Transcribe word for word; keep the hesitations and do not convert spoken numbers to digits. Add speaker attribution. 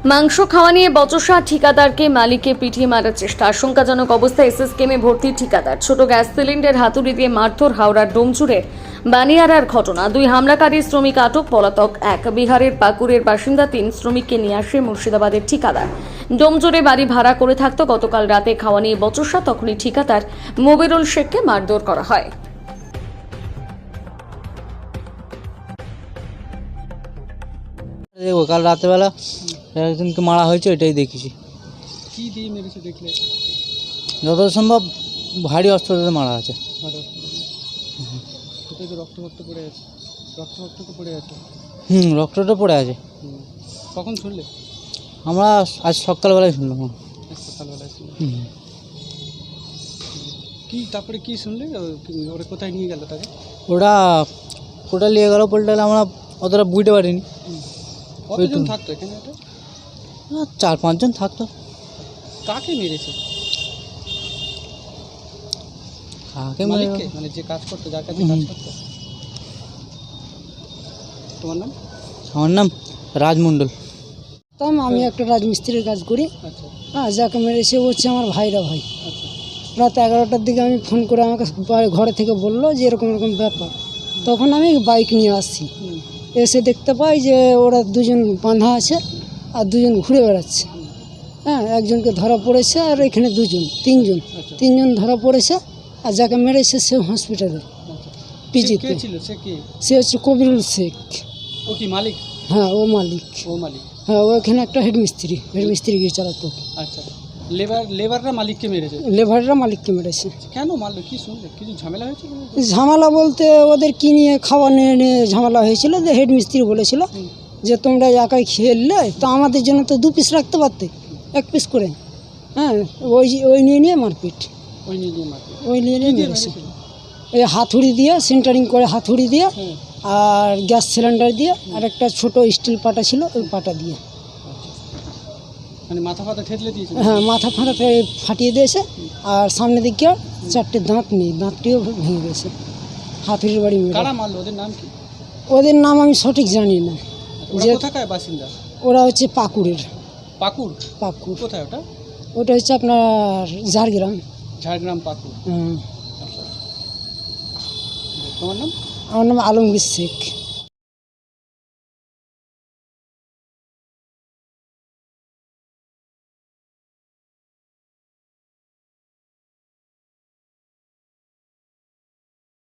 Speaker 1: মাংস খাওয়া নিয়ে বচসা, ঠিকাদারকে মালিককে পিটিয়ে মারার চেষ্টা, আশঙ্কাজনক অবস্থায় এসএসকেমে ভর্তি ঠিকাদার, ছোট গ্যাস সিলিন্ডার হাতুড়ি দিয়ে মারধর, হাওড়ার ডোমচুরে বানিয়ারার ঘটনা। দুই হামলাকারী শ্রমিক আটক, পলাতক এক। বিহারের পাকুড়ের বাসিন্দা তিন শ্রমিককে নিয়ে আসে মুর্শিদাবাদের ঠিকাদার। ডোমচুরে বাড়ি ভাড়া করে থাকতো। গতকাল রাতে খাওয়া নিয়ে বচসা, তখনই ঠিকাদার মবিরুল শেখকে মারধর করা হয়।
Speaker 2: দেখো কাল রাতেরবেলা একজনকে মারা হয়েছে, এটাই দেখেছি।
Speaker 3: কি দিয়ে মেরেছে দেখলে?
Speaker 2: যত সম্ভব ভারী অস্ত্র দিয়ে মারা আছে।
Speaker 3: কোথায় তো রক্ত রক্ত পড়ে আছে, রক্ত রক্ত তো পড়ে আছে।
Speaker 2: হুম রক্তটা পড়ে আছে।
Speaker 3: কখন শুনলে?
Speaker 2: আমরা আজ সকালবেলায় শুনলাম।
Speaker 3: আজ সকালবেলায় শুনলে।
Speaker 2: হুম।
Speaker 3: কি তারপরে কি শুনলে? ওরা কোথায় নিয়ে গেল তাকে?
Speaker 2: ওরা ওটা নিয়ে গেল পোলটাল, আমরা অতটা বুঝতে পারিনি।
Speaker 3: কতজন থাকতো এখানে? এটা
Speaker 2: চার পাঁচজন থাকতো।
Speaker 3: কাকে মেরেছে?
Speaker 2: কাকে
Speaker 3: মালিককে, মানে যে কাজ করতো, যার কাছে কাজ করতো। তোমার নাম?
Speaker 2: আমার নাম রাজমণ্ডল।
Speaker 4: তাম আমি একটা রাজমিস্ত্রির কাজ করি।
Speaker 3: আচ্ছা
Speaker 4: হ্যাঁ, যাকে মেরেছে ও হচ্ছে আমার ভাইরা ভাই।
Speaker 3: আচ্ছা
Speaker 4: রাত এগারোটার দিকে আমি ফোন করে আমাকে বাড়ি- ঘরে থেকে বললো যে এরকম এরকম ব্যাপার। তখন আমি বাইক নিয়ে আসছি,
Speaker 3: হুম
Speaker 4: এসে দেখতে পাই যে ওরা দুজন বাঁধা আছে আর দুজন ঘুরে বেড়াচ্ছে। হ্যাঁ, একজনকে ধরা পড়েছে আর এখানে দুজন তিনজন
Speaker 3: আচ্ছা
Speaker 4: তিনজন ধরা পড়েছে। আর যাকে মেরেছে সে হসপিটালে
Speaker 3: আচ্ছা।
Speaker 4: পিজিতে।
Speaker 3: কে ছিল সে? কে?
Speaker 4: সে হচ্ছে কবিরুল শেখ।
Speaker 3: ও কি মালিক?
Speaker 4: হ্যাঁ, ও মালিক।
Speaker 3: ও মালিক।
Speaker 4: হ্যাঁ, ও এখানে একটা হেডমিস্ত্রি হেডমিস্ত্রি গিয়ে চালাতো।
Speaker 3: আচ্ছা, লেবার লেবাররা মালিককে মেরেছে?
Speaker 4: লেবাররা মালিককে মেরেছে।
Speaker 3: কেন মারলো? কি শুনলে? কিছু ঝামেলা হয়েছিল?
Speaker 4: ঝামেলা বলতে ওদের কি নিয়ে খাওয়া নিয়ে নিয়ে ঝামেলা হয়েছিল। যে হেড মিস্ত্রি বলেছিল
Speaker 3: হুম।
Speaker 4: যে তোমরা একাই খেয়ে নিলে, তো আমাদের জন্য তো দু পিস রাখতে পারতে, এক পিস করে। হ্যাঁ, ওই ওই নিয়ে নিয়ে মারপিট,
Speaker 3: ওই নিয়ে নিয়ে মারলো।
Speaker 4: ওই নিয়ে নিয়ে
Speaker 3: কি দিয়ে
Speaker 4: মেরেছে।
Speaker 3: মেরেছিল?
Speaker 4: এই হাতুড়ি দিয়ে, সেন্টারিং করে হাতুড়ি দিয়ে,
Speaker 3: হ্যাঁ
Speaker 4: আর গ্যাস সিলিন্ডার দিয়ে, আর একটা ছোট স্টিল পাটা ছিল ওই পাটা দিয়ে।
Speaker 3: মানে মাথা ফাথা ঠেতলে দিয়েছে?
Speaker 4: হ্যাঁ, মাথা ফাটা ফাটিয়ে দিয়েছে। আর সামনে দিকে চারটে দাঁত নেই, দাঁতটিও ভেঙে গেছে হাতুড়ির বাড়ি মেরে।
Speaker 3: কারা মারলো? ওদের নাম কি?
Speaker 4: ওদের নাম আমি সঠিক জানি না।
Speaker 3: ওরা
Speaker 4: যে
Speaker 3: কোথাকার বাসিন্দা?
Speaker 4: ওরা হচ্ছে পাকুড়ের।
Speaker 3: পাকুড়?
Speaker 4: পাকুড়
Speaker 3: কোথায় ওটা?
Speaker 4: ওটা হচ্ছে আপনার ঝাড়গ্রাম।
Speaker 3: ঝাড়গ্রাম, পাকুড়।
Speaker 4: হুম।
Speaker 3: আচ্ছা। তোমার নাম?
Speaker 4: আমার নাম আলমগীর শেখ।